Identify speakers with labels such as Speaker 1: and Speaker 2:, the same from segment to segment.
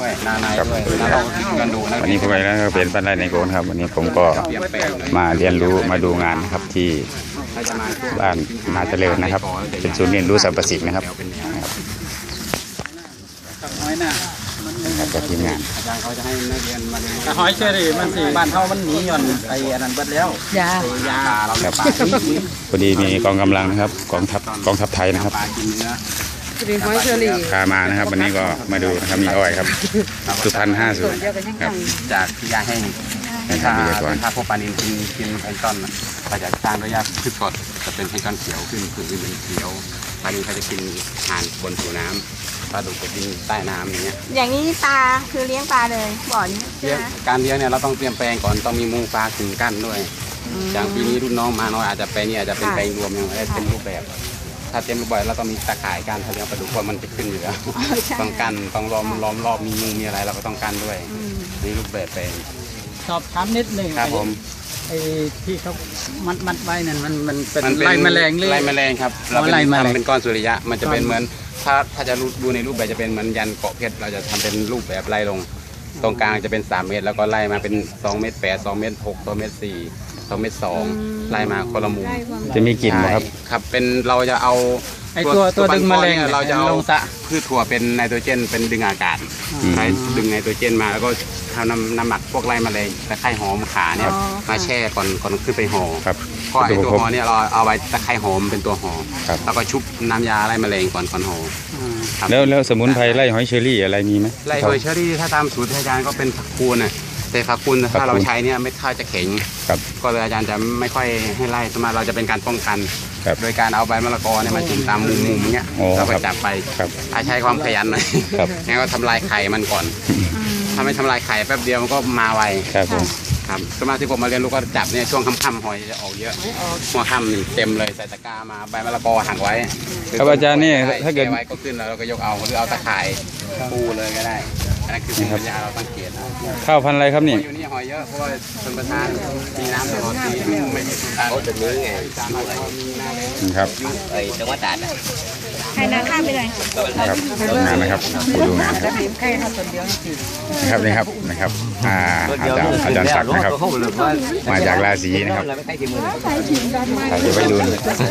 Speaker 1: ด้วยนาในด้วยนาเรากันดูนะ
Speaker 2: วันนี้ผมไปแล้วเป็นบ้านไร่ในโกนครับวันนี้ผมก็มาเรียนรู้มาดูงานนะครับที่บ้านนาเจริญนะครับเป็นศูนย์เรียนรู้สรรพสิ่งนะครับจากทีมงาน
Speaker 1: อาจารย์เขาจะให้นักเรียนมาเรียน
Speaker 3: หอยเชอรี่มันสิบ้านเฮามันหนีย่อนไอ้อันนั้นเบิดแล้ว
Speaker 4: ยา
Speaker 1: เราเลี้ยงปลา
Speaker 2: พอดีมีกองกำลังนะครับกองทัพไทยนะครับ
Speaker 1: ปลากินเนื้อ
Speaker 4: รีหอยเชอรี่
Speaker 2: พามานะครับวันนี้ก็มาดูนะครับมีอ้อยครับสุพรรณ50ครับ
Speaker 1: จากที่ยาแห้งถ้าพวกปลานิลกินแพลงก์ต้นก็จะสร้างด้วยยาพืชกรดจะเป็นแพลงก์ต้นเขียวขึ้นผืนอื่นเป็นเขียวปลานิลเขาจะกินอาหารบนผิวน้ำปลาดุกจะกินใต้น้ำอย่างเงี้ย
Speaker 4: อย่างนี้ปลาคือเลี้ยงปลาเลยบ่อนี้
Speaker 1: การเลี้ยงเนี่ยเราต้องเตรียมแปลงก่อนต้องมีมุงปลาขึงกั้นด้วยอย่างปีนี้รุ่นน้องมาน้อยอาจจะแปลงนี้อาจจะเป็นแปลงรวมยังไม่ได้เต็มรูปแบบถ้าเต็มรูปแบบเราต้องมีตะข่ายการเลี้ยงปลาดุกว่ามันจะขึ้นอยู่แล้วต้องกันต้องล้อมรอบมีมุงมีอะไรเราก็ต้องกันด้วยนี่รูปแบบแปลง
Speaker 3: สอบถามนิดหนึ่ง
Speaker 1: ครับผม
Speaker 3: ไอ้ที่เขามัดไว้นั่นมันเป็นไล่แมลงเลย
Speaker 1: ไล่แมลงครับเราเป็นก้อนสุริยะมันจะเป็นเหมือนถ้าจะดูในรูปแบบจะเป็นเหมือนยันเกาะเพชรเราจะทำเป็นรูปแบบไล่ลงตรงกลางจะเป็น3 เมตรแล้วก็ไล่มาเป็น2 เมตร 8 2 เมตร 6 2 เมตร 4 2 เมตร 2ไล่มาคนละมุม
Speaker 2: จะมีกลิ่นไหมครับ
Speaker 1: ครับเป็นเราจะเอา
Speaker 3: ไอ้ตัวดึงแมลง
Speaker 1: เราจะเอาพืชถั่วเป็นไนโตรเจนเป็นดึงอากาศใช้ดึงไนโตรเจนมาแล้วก็ทำน้ำหมักพวกไล่แมลงตะไคร้หอมขาเนี่ยมาแช่ก่อนขึ้นไปห่อเพราะไอ้ตัวห่อเนี่ยเราเอาไว้ตะไคร้หอมเป็นตัวห่อแล้วก็ชุบน้ำยาไล่แมลงก่อนห่อ
Speaker 2: แล้วสมุนไพรไล่หอยเชอรี่อะไรมีไหม
Speaker 1: ไล่หอยเชอรี่ถ้าตามสูตรอาจารย์ก็เป็นผักคูณน่ะแต่ผักคูณถ้าเราใช้เนี่ยไม่ค่อยจะแข็งก็เลยอาจารย์จะไม่ค่อยให้ไล่สมมติเราจะเป็นการป้องกันโดยการเอาใบมะละกอเนี่ยมาจิ้มตามมุมๆเงี้ยเราก็จับไปใช้ความขยันหน่อยงั้นก็ทำลายไข่มันก่อนถ้าไม่ทำลายไข่แป๊บเดียวมันก็มาไวครับสมาชิกผมมาเรียนรู้ก็จับเนี่ยช่วงค่ำๆหอยจะออกเยอะหัวค่ำนี่เต็มเลยใส่ตะกร้ามาใบมะละกอหักไว้
Speaker 2: ครับอาจารย์นี่ถ้าเกิด
Speaker 1: ไว้ก็ขึ้นแล้วเราก็ยกเอาหรือเอาตะข่ายปูเลยก็ได้อันนั้นคือปัญญาเราตั้งเกณฑ์
Speaker 2: ข้าวพันธุ์อะไรครับนี่
Speaker 1: อยู่นี่หอยเยอะเพราะว่าชนประทานมีน้ำตลอดปีไม่มีสุดท้ายเขาจะมีไง
Speaker 2: ครับ
Speaker 1: ไอ้จังหวัดตราด
Speaker 4: ให้น้ำข้ามไปเลย
Speaker 2: ครับงานนะครับดูงานครับนะครับอาจารย์ศักดิ์นะครับมาจากราศีนะครับเดี๋ยวไปดู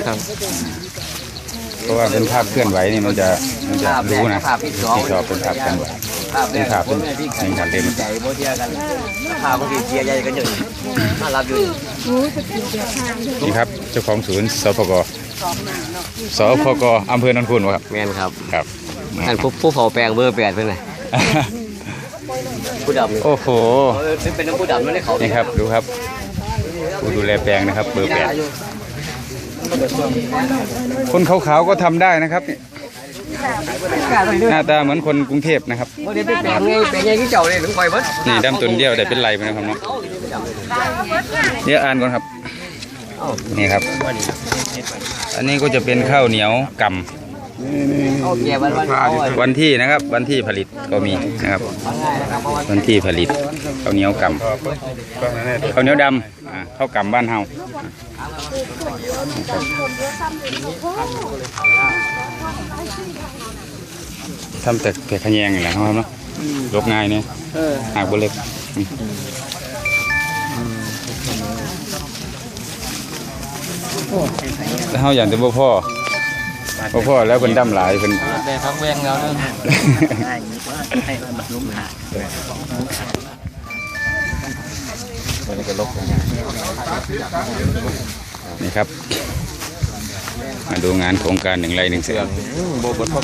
Speaker 2: เพราะว่าเป็นภาพเคลื่อนไหวนี่มันจะรู้นะที่ชอบเป็นภาพเคลื่อนไหวเป็นภาพเป็นการเล่น
Speaker 1: ใจโมเทียกันภาพบางทีเชียร์ใหญ่กันอยู่มารับอยู่
Speaker 2: นี่ครับเจ้าของศูนย์สพกอำเภอนนทบุรีครับ
Speaker 1: แม่นครับ
Speaker 2: ท่าน
Speaker 1: ผู้เผาแปลงเบอร์8เป็นไงผู้ดำ
Speaker 2: โอ้โห
Speaker 1: เป็นผู้ดำไม่ได้เขา
Speaker 2: นี่ครับดูครับผู้ดูแลแปลงนะครับเบอร์8คนขาวๆก็ทำได้นะครับหน้าตาเหมือนคนกรุงเทพนะครับนี่ดำตุนเดียวแต่เป็นไรไปนะครับเนาะเดี๋ยวอ่านก่อนครับนี่ครับอันนี้ก็จะเป็นข้าวเหนียวกำวันที่นะครับวันที่ผลิตก็มีนะครับวันที่ผลิตข้าวเหนียวกำข้าวเหนียวดำข้าวกำบ้านเฮาทำแต่ขยงอย่างไรครับเนาะลบง่ายเนี่ยหากบเล็กแล้วเขาอย่างแต่พ่อแล้วเป็นดำหลายเป็น
Speaker 3: แต่พักแวงแล้วเนอะ
Speaker 2: นี่ครับมาดูงานโครงการ1 ไร่ 1 เสือ